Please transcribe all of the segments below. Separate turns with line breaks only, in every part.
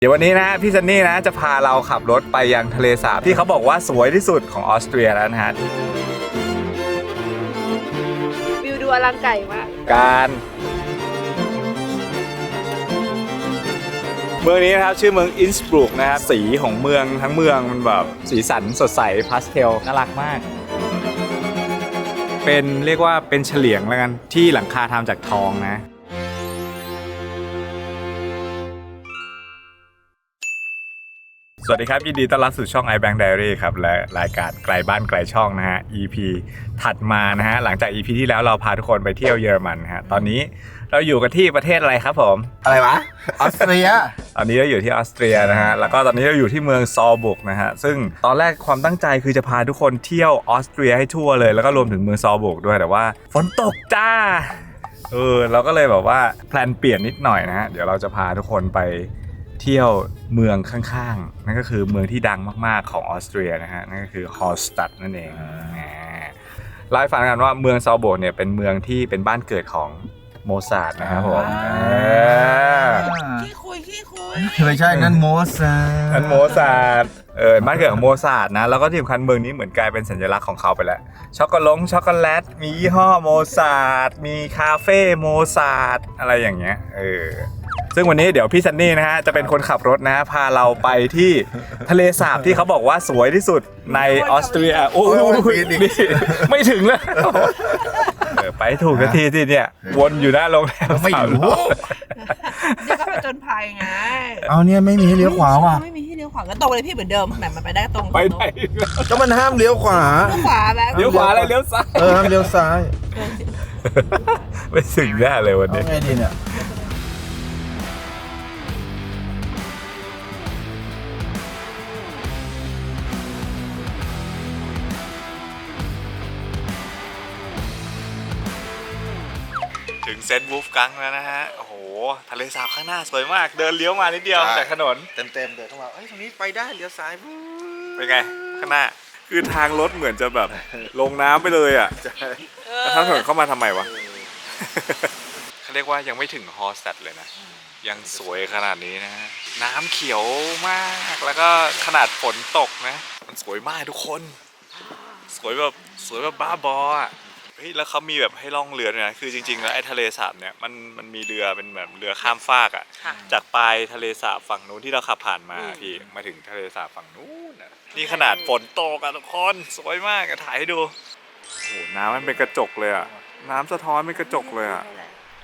เดี๋ยววันนี้นะพี่ซันนี่นะจะพาเราขับรถไปยังทะเลสาบที่เขาบอกว่าสวยที่สุดของออสเตรียแล้วนะฮะ
วิวดูอลังการมาก
เมืองนี้นะครับชื่อเมืองอินสบรุกนะครับสีของเมืองทั้งเมืองมันแบบสีสันสดใสพาสเทลน่ารักมากเป็นเรียกว่าเป็นเฉลียงแล้วกันที่หลังคาทำจากทองนะสวัสดีครับยินดีต้อนรับสู่ช่อง iBank Diary ครับและรายการไกลบ้านไกลช่องนะฮะ EP ถัดมานะฮะหลังจาก EP ที่แล้วเราพาทุกคนไปเที่ยวเยอรมันฮะตอนนี้เราอยู่กันที่ประเทศอะไรครับผม
อะไรวะออสเตรีย
ตอนนี้เราอยู่ที่ออสเตรียนะฮะแล้วก็ตอนนี้เราอยู่ที่เมืองซอลบุกนะฮะซึ่งตอนแรกความตั้งใจคือจะพาทุกคนเที่ยวออสเตรียให้ทั่วเลยแล้วก็รวมถึงเมืองซอลบุกด้วยแต่ว่าฝนตกจ้าเราก็เลยแบบว่าแพลนเปลี่ยนนิดหน่อยนะฮะเดี๋ยวเราจะพาทุกคนไปเที่ยวเมืองข้างๆนั่นก็คือเมืองที่ดังมากๆของออสเตรียนะฮะนั่นก็คือฮอลสตัดนั่นเองเล่าให้ฟังกันว่าเมืองซอลบุกเนี่ยเป็นเมืองที่เป็นบ้านเกิดของโมซาร์ทนะครับผม
ขี้คุย
ไม่ใช่นั่นโมซาร์ท
นั่นโมซาร์ทบ้านเกิดของโมซาร์ทนะแล้วก็ที่สำคัญเมืองนี้เหมือนกลายเป็นสัญลักษณ์ของเขาไปแล้วช็อกโกแลตมียี่ห้อโมซาร์ทมีคาเฟ่โมซาร์ทอะไรอย่างเงี้ยซึ่งวันนี้เดี๋ยวพี่ซันนี่นะฮะจะเป็นคนขับรถนะพาเราไปที่ทะเลสาบที่เขาบอกว่าสวยที่สุดในออสเตรียโอ้ยนี่ไม่ถึงแล้วไปถูกนาทีที่เนี่ยวนอยู่หน้าโรงแรม
ไม่รู้
นี่ก็ไปจนภัยไง
เอาเนี่ยไม่มีให้เลี้ยวขวาว่ะ
ไม่มีให้เลี้ยวขวาก็ตรงเลยพี่เหมือนเดิมแบบมันไปได้ตรง
ไปได้
ก็มันห้ามเลี้ยวขวา
เลี้ยวขวา
อะไรเลี้ยวซ้าย
ห้ามเลี้ยวซ้าย
ไม่ถึงแน่เลยวันนี้
ไงดีเนี่ย
ถึงเซนต์วูฟกังแล้วนะฮะโอ้โหทะเลสาบข้างหน้าสวยมากเดินเลี้ยวมานิดเดียวจากถนน
เต็มเดินเข้ามาตรงนี้ไปได้เลี้ยวซ้าย
เป็นไงข้างหน้าคือทางรถเหมือนจะแบบลงน้ำไปเลยอ่ะแล้วทางถนนเข้ามาทำไมวะเขาเรียกว่ายังไม่ถึงฮอลสตัดเลยนะยังสวยขนาดนี้นะน้ำเขียวมากแล้วก็ขนาดฝนตกนะมันสวยมากทุกคนสวยแบบบ้าบออ่ะแล้วเขามีแบบให้ล่องเรือด้วยนะคือจริงๆแล้วไอ้ทะเลสาบเนี่ยมันมีเรือเป็นแบบเรือข้ามฟากอ่ะจากปลายทะเลสาบฝั่งนู้นที่เราขับผ่านมาพี่มาถึงทะเลสาบฝั่งนู้นนี่ขนาดฝนตกอะทุกคนสวยมากถ่ายให้ดูโอ้โหน้ำมันเป็นกระจกเลยอ่ะน้ำสะท้อนเป็นกระจกเลยอ่ะ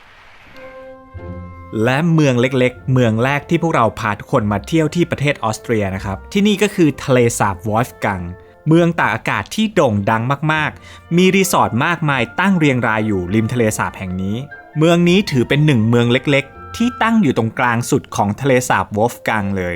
และเมืองเล็กๆเมืองแรกที่พวกเราพาทุกคนมาเที่ยวที่ประเทศออสเตรียนะครับที่นี่ก็คือทะเลสาบวอลฟกังเมืองตากอากาศที่โด่งดังมากๆมีรีสอร์ทมากมายตั้งเรียงรายอยู่ริมทะเลสาบแห่งนี้เมืองนี้ถือเป็นหนึ่งเมืองเล็กๆที่ตั้งอยู่ตรงกลางสุดของทะเลสาบวอลฟกังเลย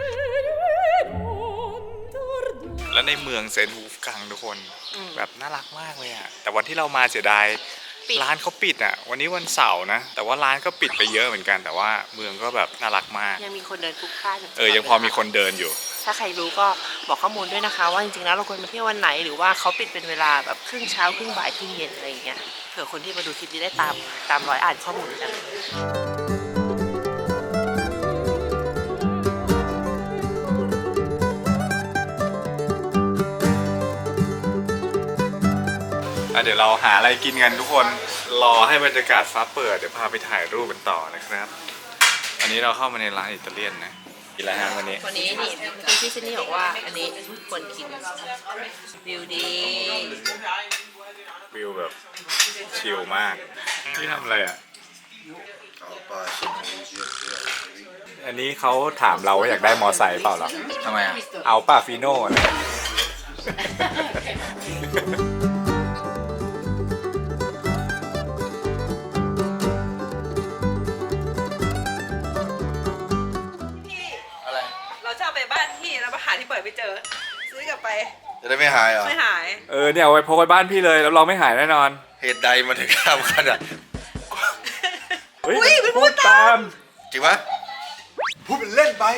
และในเมืองเซนต์วูฟกังทุกคนแบบน่ารักมากเลยอ่ะแต่วันที่เรามาเสียดายร้านเขาปิดอ่ะวันนี้วันเสาร์นะแต่ว่าร้านก็ปิดไปเยอะเหมือนกันแต่ว่าเมืองก็แบบน่ารักมาก
ยังมีคนเดินพลุกพล่าน
ยังพอมีคนเดินอยู่
ถ้าใครรู้ก็บอกข้อมูลด้วยนะคะว่าจริงๆแล้วเราควรมาเที่ยววันไหนหรือว่าเขาปิดเป็นเวลาแบบครึ่งเช้าครึ่งบ่ายครึ่งเย็นอะไรอย่างเงี้ยเผื่อคนที่มาดูคลิปนี้ได้ตามรอยอ่านข้อมูลกัน
เดี๋ยวเราหาอะไรกินกันทุกคนรอให้บรรยากาศฟ้าเปิดเดี๋ยวพาไปถ่ายรูปกันต่อนะครับอันนี้เราเข้ามาในร้านอิตาเลียนนะกินอะไรฮะวันนี้
นี่พี่ซินนี่บอกว่าอันนี้ควรกินวิวดี
วิวแบบชิลมากนี่ทำอะไรอ่ะอันนี้เขาถามเราว่าอยากได้มอไซค์เปล่าหรอ
ทำไมอ่ะ
เอาป่าฟีโน่นะ
ที่เปิดไม่เจอซื้อกลับไป
จะได้ไม่หายเหรอ
ไม่หาย
เนี่ยเอาไว้พกไว้บ้านพี่เลยแล้วเราไม่หายแน่นอน
เหตุใดมาถึงทำขนาด
อุ้ยพูดตาม
จริงปะพูดเป็นเล่นไป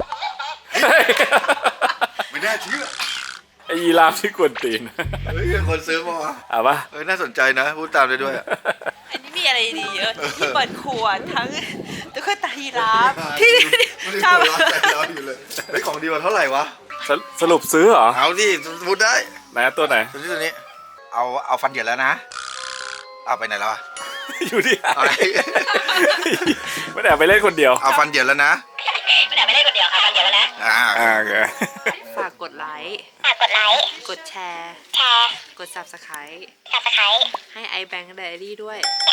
ไม่น่าเชื่อ
ไอ้ยีราฟที่กวนตีน
คนซื้อมา
เอาปะ
น่าสนใจนะพูดตามได้ด้วย
อันนี้มีอะไรดีเยอะที่เปิดขวดทั้งตุ๊กตายีราฟที่
ไม่ได้
ชอบ
หัวเราะใจร้อนอยู่เลยเฮ้ยของดีกว่าเท่าไหร่วะ
สรุปซื้อเหรอ
เอาดิพูดได้
ไหนตัวไหน
ตัวนี้เอาฟันเหยียดแล้วนะเอาไปไหนแล้วอะ
อยู่ที่
เอาไหน
ไม่ได้ไปเล่นคนเดียว
เอาฟันเหยียดแล้วนะไม่ได้ไปเล่นคนเดียวค่ะฟันเหยียดแล้วนะ
โอเค
ฝากกดไลค์กดแชร์กด Subscribe ให้ iBank Diary ด้วย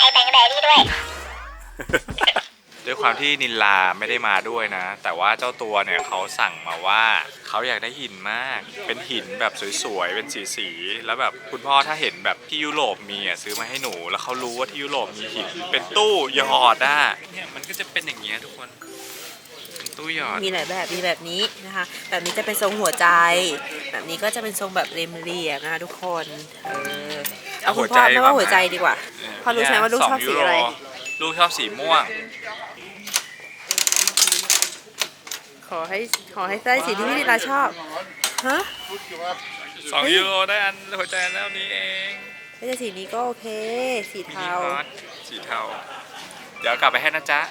ด้วยความที่นินลาไม่ได้มาด้วยนะ แต่ว่าเจ้าตัวเนี่ยเขาสั่งมาว่าเขาอยากได้หินมาก เป็นหินแบบสวยๆ เป็นสีๆ แล้วแบบคุณพ่อถ้าเห็นแบบที่ยุโรปมีอ่ะซื้อมาให้หนู แล้วเขารู้ว่าที่ยุโรปมีหิน เป็นตู้หยอดอ่ะเนี่ยมันก็จะเป็นอย่างเงี้ยทุกคน เป็นตู้หยอด
มีหลายแบบมีแบบนี้นะคะ แบบนี้จะเป็นทรงหัวใจ แบบนี้ก็จะเป็นทรงแบบเรียบๆนะคะทุกคนเอาคุณพ่อไม่ว่าหัวใจดีกว่าพ่อรู้ใช่ไหมว่าลูกชอบสีอะไร
ลูกชอบสีม่วง
ขอให้ได้สีที่พี่นิลาชอบฮะ
2 ยูโรได้อันหัวใจแล้วนี้เอง
ไม่ใช่สีนี้ก็โอเค สีเทา
สีเทา เดี๋ยวกลับไปให้นะจ๊ะ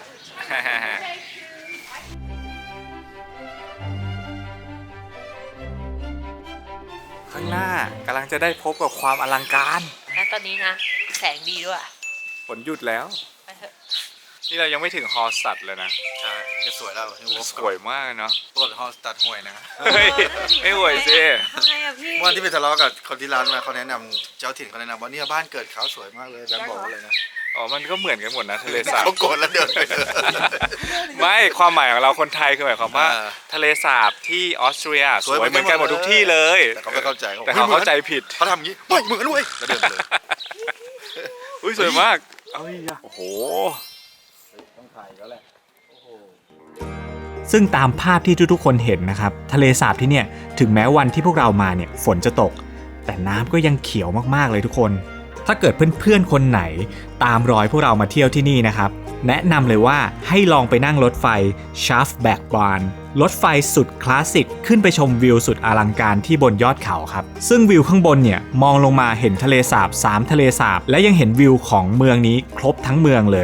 ข้างหน้ากำลังจะได้พบกับความอลังการ
และตอนนี้นะแสงดีด้วย
ฝนหยุดแล้ว
ไปเถอะ
นี่เรายังไม่ถึงฮอลสตัดเลยนะ
ใช่จะสวยแล้ว
สวยมากเนาะ
ปกติฮอลสตัดห่วยนะ
เฮ้ยไม่ห่วยสิ
ทำไงอะพี่
เมื่อที่ไปทะเลาะกับคนที่ร้านมาเขาแนะนำเจ้าถิ่นเขาแนะนำว่าเนี่ยบ้านเกิดเขาสวยมากเลยแบงค์บอกเลยนะ
อ๋อ มันก็เหมือนกันหมดนะทะเลสาบ
เขาโกรธแล้วเดินไปเลย
ไม่ความหมายของเราคนไทยคือหมายความว่า
อ่า
ทะเลสาบที่ออสเตรียส
สวย
วยเหมือนกันหมดทุกที่เลย
แต่เขาไม่เข้าใจ
แต่เขาเข้าใจผิด
เขาทำอย่างนี้ไม่เหมือนด้วยแล้วเดินเลย
อุ้ยสวยมาก เอ้ยโอ้โห
ต้องถ่ายแล้วแหละ
ซึ่งตามภาพที่ทุกๆคนเห็นนะครับทะเลสาบที่เนี่ยถึงแม้วันที่พวกเรามาเนี่ยฝนจะตก แต่น้ำก็ยังเขียวมากๆเลยทุกคน ถ้าเกิดเพื่อนๆคนไหนตามรอยพวกเรามาเที่ยวที่นี่นะครับแนะนำเลยว่าให้ลองไปนั่งรถไฟ Shaftbackwaan รถไฟสุดคลาสสิกขึ้นไปชมวิวสุดอลังการที่บนยอดเขาครับซึ่งวิวข้างบนเนี่ยมองลงมาเห็นทะเลสาบ3ทะเลสาบและยังเห็นวิวของเมืองนี้ครบทั้งเมืองเลย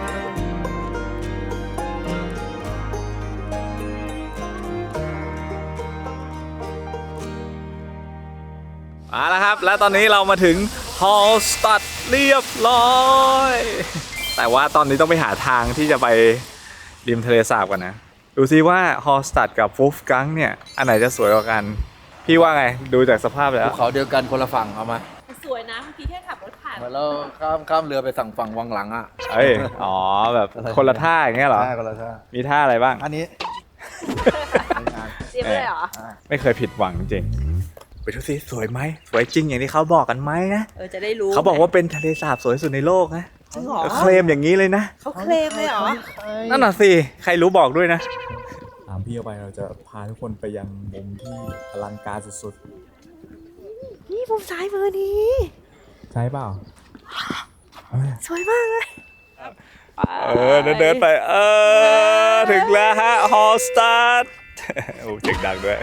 มาแล้วครับ และตอนนี้เรามาถึงฮอลสตัดเรียบร้อย แต่ว่าตอนนี้ต้องไปหาทางที่จะไปริมทะเลสาบกันนะ ดูซิว่าฮอลสตัดกับฟูฟกังเนี่ย อันไหนจะสวยกว่ากัน พี่ว่าไงดูจากสภาพแล้ว
ภูเขาเดียวกันคนละฝั่งเอามา
สวยนะเมื่อกี้แค่ขับรถผ่าน
เหมือนเราข้ามเรือไปสั่งฝั่งวังหลังอ่ะ
เอ้ย อ๋อ แบบคนละท่าอย่างเงี้ยเหรอ
ใช่คนละท่า
มีท่าอะไรบ้าง
อันนี้
เตรียมไปเลยเหรอ
ไม่เคยผิดหวังจริง ไปดูซิสวยไหม สวยจริงอย่างที่เขาบอกกันไหมนะ
จะได้รู้
เขาบอกว่าเป็นทะเลสาบสวยสุดในโลกนะ
จริงเหรอ
เคลมอย่างนี้เลยนะ
เขาเคลมเลยเหรอ
นั่นน่ะสิ ใครรู้บอกด้วยนะ ตามพี่เอาไปเราจะพาทุกคนไปยังมุมที่อลังการสุด
นี่มุมซ้ายมือนี้
ๆ ใช่เปล่า
สวยมากเลย
เดินไป ถึงแล้วฮะ ฮอลสตาร์ทโอ้เจ๋งดังด้วย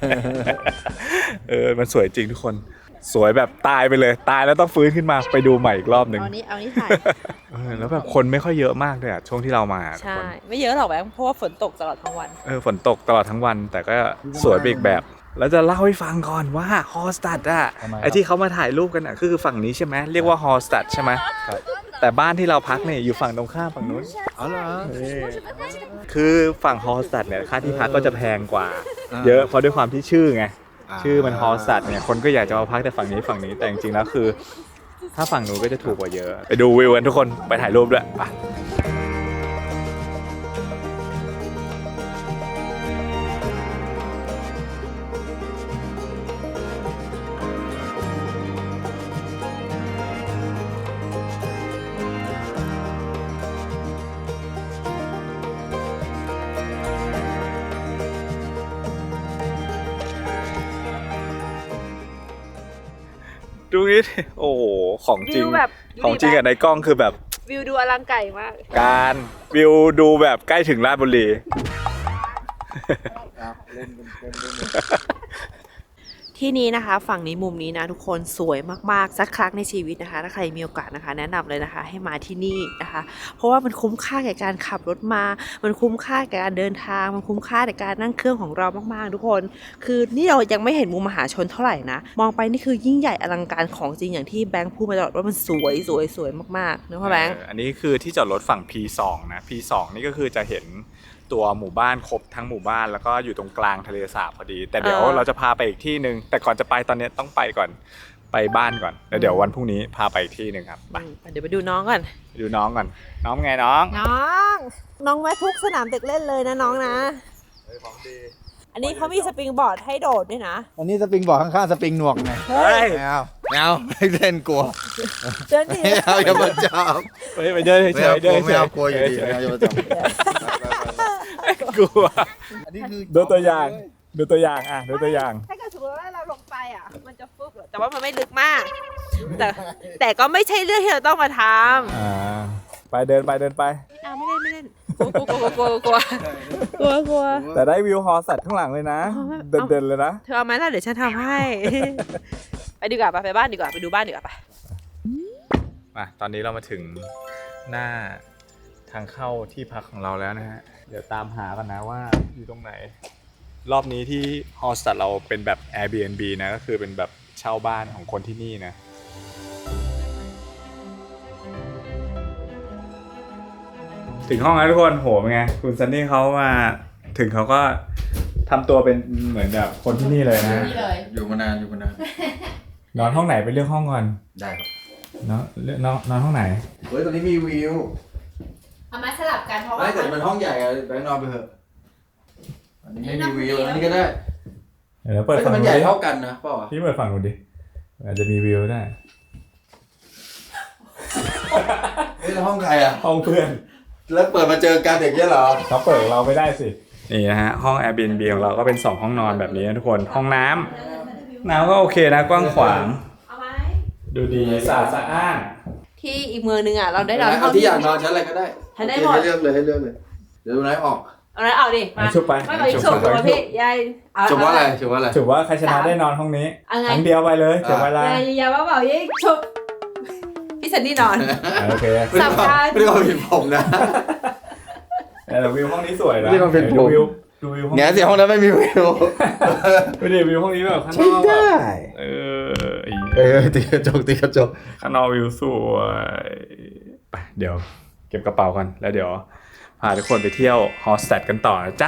มันสวยจริงทุกคน สวยแบบตายไปเลย ตายแล้วต้องฟื้นขึ้นมาไปดูใหม่อีกรอบหนึ่ง
เอานี้ถ่าย
แล้วแบบคนไม่ค่อยเยอะมากเลยอะช่วงที่เรามาทุก
ใช่
คน
ไม่เยอะหรอกแบงค์เพราะว่าฝนตกตลอดทั้งวัน
ฝนตกตลอดทั้งวัน แต่ก็สวยไปอีกแบบ แล้วจะเล่าให้ฟังก่อนว่าฮอลสตัดอะไอที่เขามาถ่ายรูปกันอะคือฝั่งนี้ใช่ไหมเรียกว่าฮอลสตัดใช่ไหมแต่บ้านที่เราพักเนี่ยอยู่ฝั่งตรงข้ามฝั่งนู้น
อ๋อเหรอ
คือฝั่งฮอลสตัดเนี่ยค่าที่พักก็จะแพงกว่า เยอะเพราะด้วยความที่ชื่อไงชื่อมันฮอลสตัดเนี่ยคนก็อยากจะมาพักแต่ฝั่งนี้แต่จริงๆแล้วคือ ถ้าฝั่งนู้นก็จะถูกกว่าเยอะไปดูวิวกันทุกคนไปถ่ายรูปด้วยไป ดูนี่ดิโอ้โห ของจริง
วิวแบบดูดิ
ของจริงอะในกล้องคือแบบ
วิวดูอลังไก่มาก
การวิวดูแบบใกล้ถึงราชบุรี
เล่นกัน
ที่นี้นะคะฝั่งนี้มุมนี้นะทุกคนสวยมากๆสักครั้งในชีวิตนะคะถ้าใครมีโอกาสนะคะแนะนำเลยนะคะให้มาที่นี่นะคะเพราะว่ามันคุ้มค่าแก่การขับรถมามันคุ้มค่าแก่การเดินทางมันคุ้มค่าแก่การนั่งเครื่องของเรามากๆทุกคนคือนี่เรายังไม่เห็นมุมมหาชนเท่าไหร่นะมองไปนี่คือยิ่งใหญ่อลังการของจริงอย่างที่แบงค์พูดมาตลอดว่ามันสวยมากๆนึกว่าแบงค์
อันนี้คือที่จอดรถฝั่ง P2 นะ P2 นี่ก็คือจะเห็นตัวหมู่บ้านครบทั้งหมู่บ้านแล้วก็อยู่ตรงกลางทะเลสาบพอดีแต่เดี๋ยวเราจะพาไปอีกที่นึงแต่ก่อนจะไปตอนนี้ต้องไปก่อนไปบ้านก่อนแล้วเดี๋ยววันพรุ่งนี้พาไปอีกที่นึงครับไป
เดี๋ยวไปดูน้องก่อน
ดูน้องก่อนน้องไงน้อง
น้องแวะทุกสนามเด็กเล่นเลยนะน้องนะ
ของดี
อันนี้เขามีสปริงบอร์ดให้โดดด้วยนะ
อันนี้สปริงบอร์ดข้างๆสปริงหนวกไง
เฮ้ย
ไม่เอาไม่เอาไม่เล่นกลัว
เดินดิ
ไม่เอาอย่ามาจับ
ไปเดินเฉ
ไม่เอา
ย
ก
เดิ
ลัวน
เฉ
ไม่
ย
เอากลัวอยู่ดีไม่เอาอย่ามาจับ
กลัว
อันนี้คือ
ดูตัวอย่างดูตัวอย่างอ่ะดูตัวอย่าง
ถ้าเกิดสมมติว่าเราลงไปอ่ะมันจะฟึบแต่ว่ามันไม่ลึกมาก แต่ก็ไม่ใช่เรื่องที่เราต้องมาทำ
ไปเดินไปเดินไป
ไม่เล่นกลัว
แต่ได้วิวฮอสัตว์ข้างหลังเลยนะ เด่นๆเลยนะ
เธอเอาไหมล่ะเดี๋ยวฉันทำให้ ไปดีกว่าไปบ้านดีกว่าไปดูบ้านดีกว่าไป
มาตอนนี้เรามาถึงหน้าทางเข้าที่พักของเราแล้วนะฮะ เดี๋ยวตามหากันนะว่าอยู่ตรงไหน รอบนี้ที่ฮอสตัดเราเป็นแบบ Airbnb นะก็คือเป็นแบบเช่าบ้านของคนที่นี่นะ ถึงห้องแล้วทุกคนโหเป็นไงคุณซันนี่เขามาถึงเขาก็ทำตัวเป็นเหมือนแบบคนที่นี่เลยนะ
อยู่มานานอยู่มานาน
นอนห้องไหนไปเลือกห้องก่อน
ได้ครับ
เนาะนอนห้องไหน
เฮ้ยตอนนี้มีวิว
เอามาสลับกันเพราะ
ไม่
ว่า
แต่มันห้องใหญ่อะแบงค์นอนไปเถอะอันนี้ไม่มีวิวอันนี้ก็ได้
เดี๋ยวเปิด
เฮ้ย
ฝั่
แต่
ง
มัน
นู้
ใหญ่
นดิ
เท่ากันนะเปล่าวะ
พี่เปิดฝั่งนู้นดิอาจจะมีวิวได้
เฮ้ยแล้วห้องใครอะ
ห้องเพื่อน
แล้วเปิดมาเจอกันเด็กเนี่ยเหรอ
เขาเปิดเราไม่ได้สิ นี่นะฮะห้อง Airbnb ของเราก็เป็น2ห้องนอนแบบนี้นะทุกคนห้องน้ำก็โอเคนะกว้างขวาง
เอาไหม
ดูดีสะอาดสะอ้าน
ที่อีกเมืองนึงอ่ะเราได้นอนห้
เอา
อง
ที่อยากนอนชั้นอะไรก็ได้
ฉันได้หมด
ให้เลือกเลยให้เลือกเลยเดี๋ยวดูนายออก
เอาไหนเอาดิมา
ชุบไป
ไม่เอาอีกฉุบตัวพี่ยายเอา
จบว่าอะไรจบว่าอะไร
ถือว่าใครชนะได้นอนห้องนี้
เอาไง
ครั้งเดียวไปเลยเสียเวลาย
ายว่าเปล่ายิ่งฉุบพี่สันนี่นอน
โอเค
สำคัญ
ไม่ได้ความผิดผมนะ
แต่วิวห้องนี้สวยนะ
ไม่ได้ความผิดผม
ดูวิวห้อง
เนี่ยเสียห้องนั้นไม่มีวิว
ไม่ได้วิวห้องนี้แบบข้างน
ใช่
อก
ได้ ตีกระจกตีกระจก
ข้างนอกวิวสวยไปเดี๋ยวเก็บกระเป๋ากันแล้วเดี๋ยวพาทุกคนไปเที่ยวฮอสแตดกันต่อนะจ๊ะ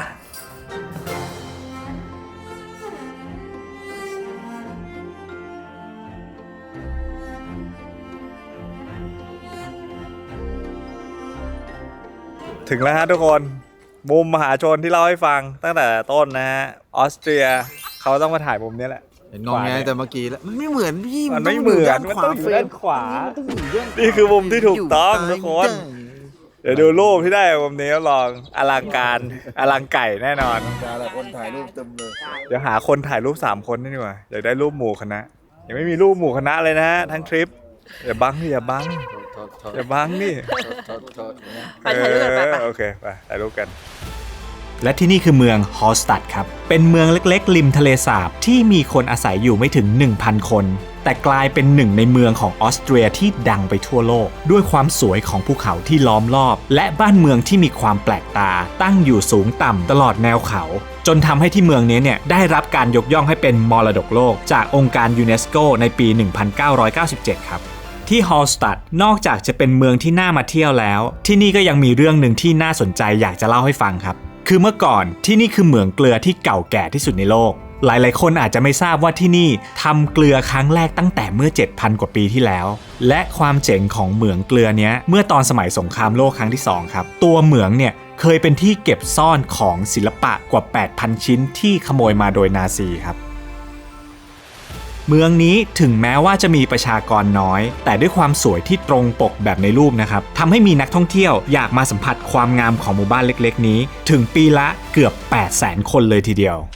ถึงแล้วฮะทุกคนมุมมหาชนที่เล่าให้ฟังตั้งแต่ต้นนะฮะออสเตรียเขาต้องมาถ่ายมุมนี้แหละ
เห็นงงไงแต่เมื่อกี้แล้วมันไม่เหมือนพี่
มันไม่เหมือนมันต้องอยู่ด้านขวา นี่คือมุมที่ถูกต้องทุกคน เดี๋ยวดูรูปที่ได้มุมนี้รับรองอลังการอลังไก่แน่นอน
แต่ละคนถ่ายรูปเต็มเลย
เดี๋ยวหาคนถ่ายรูป3คนนี่ดีกว่าอยากได้รูปหมู่คณะยังไม่มีรูปหมู่คณะเลยนะฮะทั้งทริปอย่าบังนี่อย่าบังอย่าบังนี่
ไปถ่ายรูปกันไป
โอเคไปถ่ายรูปกัน
และที่นี่คือเมืองฮอลสตัดครับ เป็นเมืองเล็กๆ ริมทะเลสาบที่มีคนอาศัยอยู่ไม่ถึง 1,000 คน แต่กลายเป็นหนึ่งในเมืองของออสเตรียที่ดังไปทั่วโลก ด้วยความสวยของภูเขาที่ล้อมรอบ และบ้านเมืองที่มีความแปลกตา ตั้งอยู่สูงต่ำตลอดแนวเขา จนทำให้ที่เมืองนี้เนี่ยได้รับการยกย่องให้เป็นมรดกโลก จากองค์การยูเนสโกในปี 1997 ครับ ที่ฮอลสตัดนอกจากจะเป็นเมืองที่น่ามาเที่ยวแล้ว ที่นี่ก็ยังมีเรื่องหนึ่งที่น่าสนใจอยากจะเล่าให้ฟังครับ คือเมื่อก่อนที่นี่คือเหมืองเกลือที่เก่าแก่ที่สุดในโลก หลายๆคนอาจจะไม่ทราบว่าที่นี่ทำเกลือครั้งแรกตั้งแต่เมื่อ 7,000 กว่าปีที่แล้ว และความเจ๋งของเหมืองเกลือเนี้ยเมื่อตอนสมัยสงครามโลกครั้งที่ 2 ครับ ตัวเหมืองเนี่ยเคยเป็นที่เก็บซ่อนของศิลปะกว่า 8,000 ชิ้นที่ขโมยมาโดยนาซีครับ เมืองนี้ถึงแม้ว่าจะมีประชากรน้อย แต่ด้วยความสวยที่ตรงปกแบบในรูปนะครับทำให้มีนักท่องเที่ยวอยากมาสัมผัสความงามของหมู่บ้านเล็กๆนี้ถึงปีละเกือบ 800,000 คนเลยทีเดียว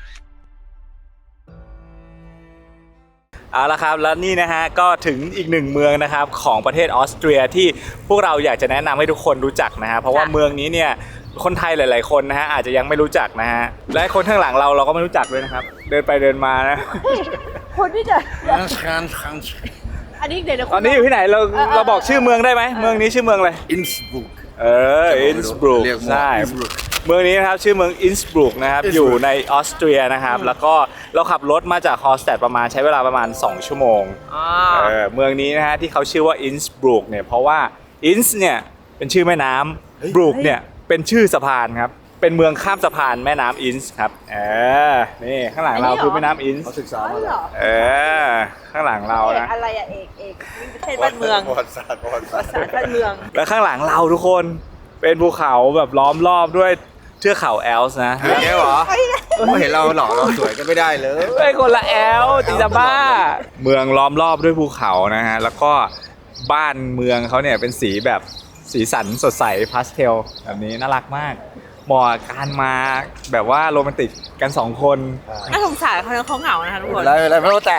เอาละครับแล้วนี่นะฮะก็ถึงอีกหนึ่งเมืองนะครับของประเทศออสเตรียที่พวกเราอยากจะแนะนำให้ทุกคนรู้จักนะฮะเพราะว่าเมืองนี้เนี่ย
คนไทยหลายๆคนนะฮะอาจจะยังไม่รู้จักนะฮะและคนข้างหลังเราก็ไม่รู้จักด้วยนะครับเดินไปเดินมานะ
คนที่จะอันนี้เดี๋ยว
ตอนนี้อยู่ที่ไหนเราบอกชื่อเมืองได้ไหมเมืองนี้ชื่อเมืองอะไร
อินสบุก
อินสบรูก
เรียกว่า
ใช่
Innsbruck
เมืองนี้นะครับชื่อเมืองอินสบรูกนะครับ
Innsbruck
อยู่ในออสเตรียนะครับแล้วก็เราขับรถมาจากฮอลสแตดใช้เวลาประมาณ2 ชั่วโมงเมืองนี้นะฮะที่เขาชื่อว่าอินสบรูกเนี่ยเพราะว่าอินส์เนี่ยเป็นชื่อแม่น้ำบรูกเนี่ยเป็นชื่อสะพานครับเป็นเมืองข้ามสะพานแม่น้ำอินส์ครับนี่ข้างหลังเราคือแม่น้ำอินส์
เขาศึกษามาแล้ว
ข้างหลังเรานะ
อะไรอะเอกประเทศบ้านเมือง
ประวัติศาสตร์
ภาษาบ้านเมือง
แล้วข้างหลังเราทุกคนเป็นภูเขาแบบล้อมรอบด้วยเทือกเขาแอลส์นะ
อย่างเงี้ยเหรอไม่เห็นเราหล่อเราสวยก็ไม่ได้เลย
เป็นคนละแอลจิจะบ้า เมืองล้อมรอบด้วยภูเขานะฮะแล้วก็บ้านเมืองเขาเนี่ยเป็นสีแบบสีสันสดใสพาสเทลแบบนี้น่ารักมากเหมาะกับการมาแบบว่าโรแมนติกกัน2 คน
น่าสงสารเขาเหงานะคะทุกคน
อะไรไม่รู้แต่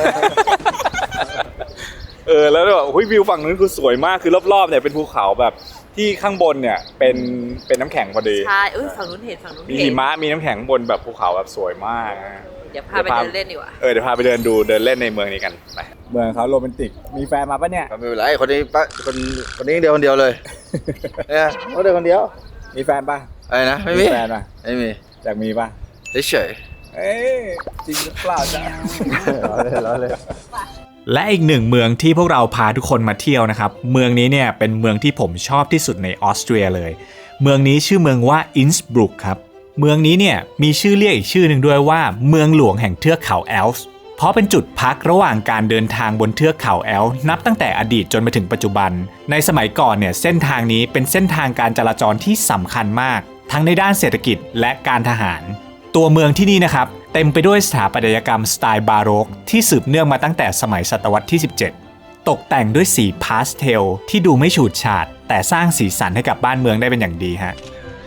แล้วแบบวิวฝั่งนู้นคือสวยมากคือรอบๆเนี่ยเป็นภูเขาแบบที่ข้างบนเนี่ยเป็นน้ำแข็งพอดี
ใช่ฝั่งนู้นเห็น
มีหิมะมีน้ำแข็งบนแบบภูเขาแบบสวยมากนะ
เดี๋ยวพาไปเดินเล่นดีกว่า
เดี๋ยวพาไปเดินเล่นในเมืองนี้กันไปเมืองเขาโรแมนติกมีแฟนมาปะเนี่ย
ไม่เป็นไรคนนี้คนนี้เดียวคนเดียวเลยเนี่ยเขาเดียวคนเดียว
มีแฟนปะ
อะไรนะไม่มี
แฟนปะ
ไม่มี
อยากมีปะ
เฉย
จริงหรือเปล่าจ๊ะ
ล้อเลย
และอีกหนึ่งเมืองที่พวกเราพาทุกคนมาเที่ยวนะครับเมืองนี้เนี่ยเป็นเมืองที่ผมชอบที่สุดในออสเตรียเลยเมืองนี้ชื่อเมืองว่าอินสบรุกครับเมืองนี้เนี่ยมีชื่อเรียกอีกชื่อหนึ่งด้วยว่าเมืองหลวงแห่งเทือกเขาแอลป์เพราะเป็นจุดพักระหว่างการเดินทางบนเทือกเขาแอลป์นับตั้งแต่อดีตจนมาถึงปัจจุบันในสมัยก่อนเนี่ยเส้นทางนี้เป็นเส้นทางการจราจรที่สำคัญมากทั้งในด้านเศรษฐกิจและการทหารตัวเมืองที่นี่นะครับเต็มไปด้วยสถาปัตยกรรมสไตล์บาโรกที่สืบเนื่องมาตั้งแต่สมัยศตวรรษที่ 17 ตกแต่งด้วยสีพาสเทลที่ดูไม่ฉูดฉาดแต่สร้างสีสันให้กับบ้านเมืองได้เป็นอย่างดีฮะ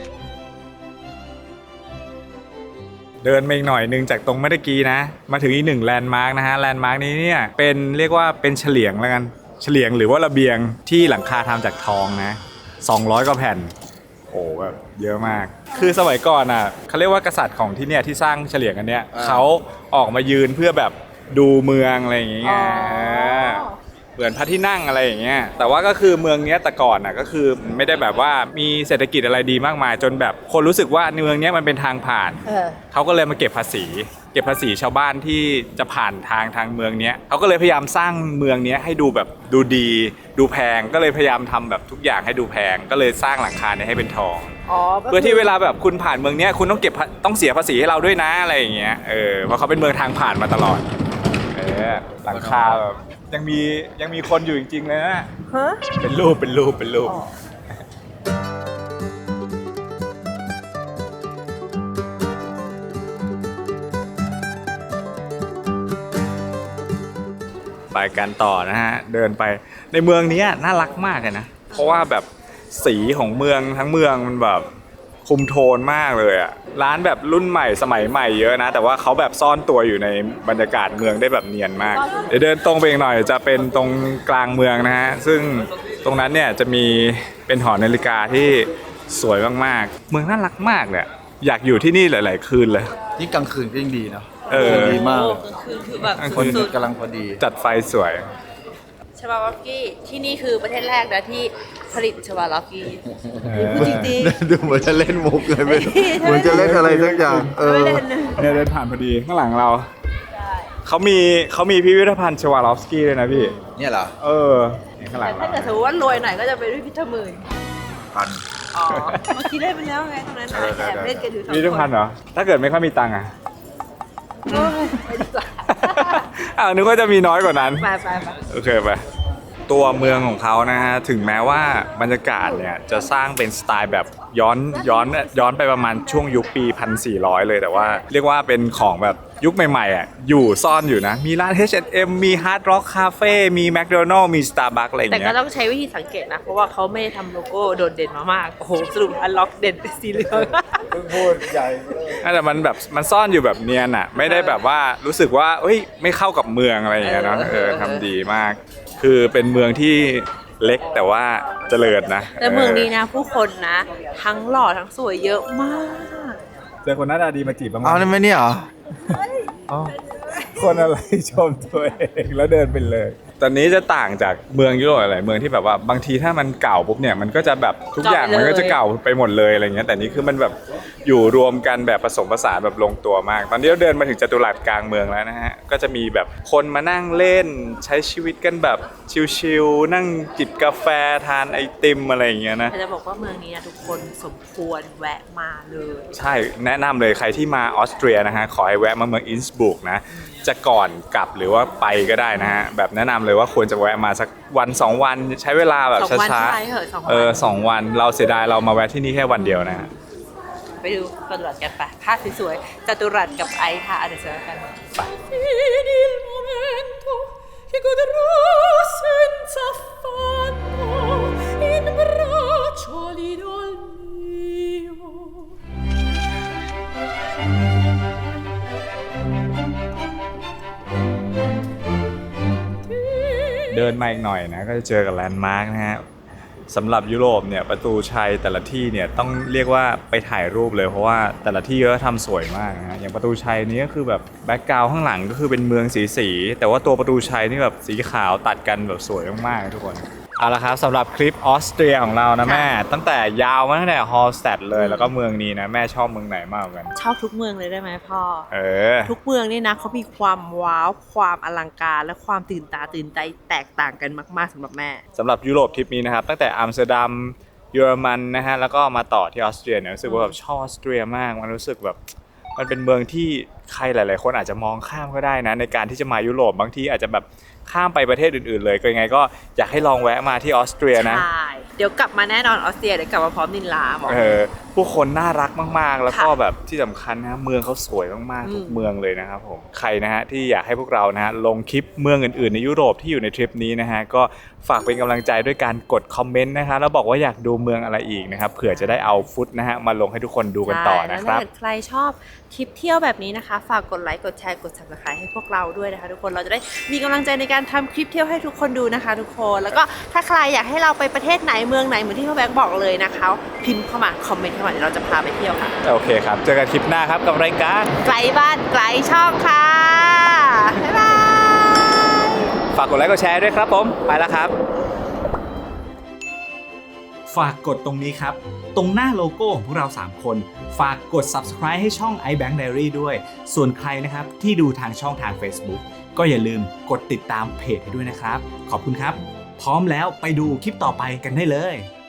เดินมาอีกหน่อยนึงจากตรงเมื่อกี้นะมาถึงอีก1แลนด์มาร์กนะฮะแลนด์มาร์กนี้เนี่ยเป็นเรียกว่าเป็นเฉลียงแล้วกันเฉลียงหรือว่าระเบียงที่หลังคาทำจากทองนะ200 กว่าแผ่นโอ้แบบเยอะมากคือสมัยก่อนอ่ะเขาเรียกว่ากษัตริย์ของที่เนี่ยที่สร้างเฉลียงอันเนี้ยเขาออกมายืนเพื่อแบบดูเมืองอะไรอย่างเงี้ยเหมือนพระที่นั่งอะไรอย่างเงี้ยแต่ว่าก็คือเมืองเนี้ยแต่ก่อนน่ะก็คือไม่ได้แบบว่ามีเศรษฐกิจอะไรดีมากมายจนแบบคนรู้สึกว่าเมืองเนี้ยมันเป็นทางผ่านเขาก็เลยมาเก็บภาษีชาวบ้านที่จะผ่านทางเมืองเนี้ยเขาก็เลยพยายามสร้างเมืองเนี้ยให้ดูแบบดูดีดูแพงก็เลยพยายามทำแบบทุกอย่างให้ดูแพงก็เลยสร้างหลังคาเนี่ยให้เป็นทองเพื่อที่เวลาแบบคุณผ่านเมืองเนี้ยคุณต้องเสียภาษีให้เราด้วยนะอะไรอย่างเงี้ยเพราะเขาเป็นเมืองทางผ่านมาตลอดหลังคาแบบยังมีคนอยู่จริงๆเลยนะเป็นรูปไปกันต่อนะฮะเดินไปในเมืองนี้น่ารักมากเลยนะเพราะว่าแบบสีของเมืองทั้งเมืองมันแบบคุมโทนมากเลยอ่ะร้านแบบรุ่นใหม่สมัยใหม่เยอะนะแต่ว่าเขาแบบซ่อนตัวอยู่ในบรรยากาศเมืองได้แบบเนียนมากเดี๋ยวเดินตรงไปอีกหน่อยจะเป็นตรงกลางเมืองนะฮะซึ่งตรงนั้นเนี่ยจะมีเป็นหอนาฬิกาที่สวยมากๆเมืองน่ารักมากเลยอยากอยู่ที่นี่หลายๆคืนเลย
ที่กลางคืนก็ยังดีเนาะ
ดีมากคือแบบ
คนกำลังพอดี
จัดไฟสวย
ชวาลอฟกี้ที่นี่คือประเทศแรกนะที่ผลิตชวาลอฟกี้จริง
ดูเหมือนจะเล่นมุกเลยเหมือนจะเล่นอะไรสักอย่าง
เนี่ยเดินผ่านพอดีข้างหลังเราเขามีพิพิธภัณฑ์ชวาลอฟสกี้ด้วยนะพี่
เนี่ยเหรอ
นี่ข้างหลัง
ถ้าเกิดสมมติว่ารวยหน่อยก็จะไปด้วยพิธหมื่น
พัน
อ๋อเมื่อกี้เล่นไปแล้วไงตรงนั้นแอบเล่นกันอยู่2 คน
พิพิธภัณฑ์เหรอถ้าเกิดไม่ค่อยมีตังค์อ่ะ
ไปดีกว่า
นึกว่าจะมีน้อยกว่านั้น
ไป
โอเคไปตัวเมืองของเขานะฮะถึงแม้ว่าบรรยากาศเนี่ยจะสร้างเป็นสไตล์แบบย้อนไปประมาณช่วงยุคปี 1400 เลยแต่ว่าเรียกว่าเป็นของแบบยุคใหม่ๆอ่ะอยู่ซ่อนอยู่นะมีร้าน H&M มี Hard Rock Cafe มี McDonald's มี Starbucks อะไรอย่าง
แต่
เงี้
ก็
ย
ต้องใช้วิธีสังเกตนะเพราะว่าเขาไม่ทำโลโก้โดดเด่นมามากโอ้โหสรุปอันล็อกเด่นเป็นสีเหลือง
พูดใหญ่
แต่มันแบบมันซ่อนอยู่แบบเนียนอ่ะไม่ได้แบบว่ารู้สึกว่าเอ้ยไม่เข้ากับเมืองอะไรอย่างเงี้ยเนาะทำดีมากคือเป็นเมืองที่เล็กแต่ว่าเจริญนะ
แต่เมืองนี้นะผู้คนนะ ทั้งหล่อทั้งสวยเยอะมาก
เจอคนหน้าตาดีมาจีบบ้างไหม
เอาได้ไหมเนี่ยเหรอ
คนอะไรชมตัวเองแล้วเดินไปเลย ตอนนี้จะต่างจากเมืองยุโรปหลายเมืองที่แบบว่าบางทีถ้ามันเก่าปุ๊บเนี่ยมันก็จะแบบทุกอย่างมันก็จะเก่าไปหมดเลยอะไรเงี้ยแต่นี่คือมันแบบอยู่รวมกันแบบผสมผสานแบบลงตัวมาก ตอนนี้เราเดินมาถึงจัตุรัสกลางเมืองแล้วนะฮะก็จะมีแบบคนมานั่งเล่นใช้ชีวิตกันแบบชิลๆนั่งจิบกาแฟทานไอติมอะไรอย่างเงี้ยนะ
จะบอกว่าเมืองนี้นะทุกคนสมควรแวะมาเลย
ใช่แนะนำเลยใครที่มาออสเตรียนะฮะขอให้แวะมาเมืองอินสบรุกนะจะก่อนกลับหรือว่าไปก็ได้นะฮะแบบแนะนำเลยว่าควรจะแวะมาสักวัน2 วันใช้เวลาแบบ
2 วัน
ช้า
ใช่เหรอ2 วัน
2 วันเราเสียดายเรามาแวะที่นี่แค่วันเดียวนะฮะ
ไปดูจัตุรัสกันไปภาพสวยๆจัตุรัสกับไอซ์ค่ะเดี๋ยวเจอกัน
เดินมาอีกหน่อยนะก็จะเจอกับแลนด์มาร์กนะฮะสำหรับยุโรปเนี่ยประตูชัยแต่ละที่เนี่ยต้องเรียกว่าไปถ่ายรูปเลยเพราะว่าแต่ละที่ก็ทำสวยมากนะฮะอย่างประตูชัยนี้ก็คือแบบแบ็กกราวด์ข้างหลังก็คือเป็นเมืองสีแต่ว่าตัวประตูชัยนี่แบบสีขาวตัดกันแบบสวยมากๆทุกคนเอาละครับสำหรับคลิปออสเตรียของเรานะแม่ตั้งแต่ยาวมาตั้งแต่ฮอลสแตดเลยแล้วก็เมืองนี้นะแม่ชอบเมืองไหนมากกว่ากัน
ชอบทุกเมืองเลยได้ไหมพ่อ
อ
ทุกเมืองนี่นะเขามีความว้าวความอลังการและความตื่นตาตื่นใจแตกต่างกันมากๆสำหรับแม่
สำหรับยุโรปทริปนี้นะครับตั้งแต่อัมสเตอร์ดัมเยอรมันนะฮะแล้วก็มาต่อที่ออสเตรียเนี่ยรู้สึกว่าแบบชอบออสเตรียมากมันรู้สึกแบบมันเป็นเมืองที่ใครหลายๆคนอาจจะมองข้ามก็ได้นะในการที่จะมายุโรปบางทีอาจจะแบบข้ามไปประเทศอื่นๆเลยก็ยังไงก็อยากให้ลองแวะมาที่ออสเตรียนะ
ใช่ เดี๋ยวกลับมาแน่นอนออสเตรียเดี๋ยวกลับมาพร้อมนินลาบอก
ผู้คนน่ารักมากๆ แล้วก็
ค่ะ
แบบที่สำคัญนะเมืองเขาสวยมากๆทุกเมืองเลยนะครับผมใครนะฮะที่อยากให้พวกเรานะฮะลงคลิปเมืองอื่นๆในยุโรปที่อยู่ในทริปนี้นะฮะก็ฝากเป็นกำลังใจด้วยการกดคอมเมนต์นะคะแล้วบอกว่าอยากดูเมืองอะไรอีกนะครับเผื่อจะได้เอาฟุตนะฮะมาลงให้ทุกคนดูกันต่อนะครับ
ใช่แล้วถ้าเกิดใครชอบคลิปเที่ยวแบบนี้นะคะ ฝากกดไลค์กดแชร์กด subscribe ให้พวกเราด้วยนะคะทุกคนเราจะได้มีกำลังใจในการทำคลิปเที่ยวให้ทุกคนดูนะคะทุกคนแล้วก็ถ้าใครอยากให้เราไปประเทศไหนเมืองไหนเหมือนที่พ่อแบงค์บอกเลยนะคะพิมพ์เข้ามาคอมเมนต์เข้ามาเดี๋ยวเราจะพาไปเที่ยวค่ะ
โอเคครับเจอกันคลิปหน้าครับกับรายการ
ไกลบ้านไกลช่องค่ะบ๊ายบาย
ฝากกดไลค์กดแชร์ด้วยครับผมไปแล้วครับ
ฝากกดตรงนี้ครับ ตรงหน้าโลโก้ของพวกเรา 3 คน ฝากกด subscribe ให้ช่อง iBank Diary ด้วย ส่วนใครนะครับที่ดูทางช่องทาง Facebook ก็อย่าลืมกดติดตามเพจให้ด้วยนะครับ ขอบคุณครับ พร้อมแล้วไปดูคลิปต่อไปกันได้เลย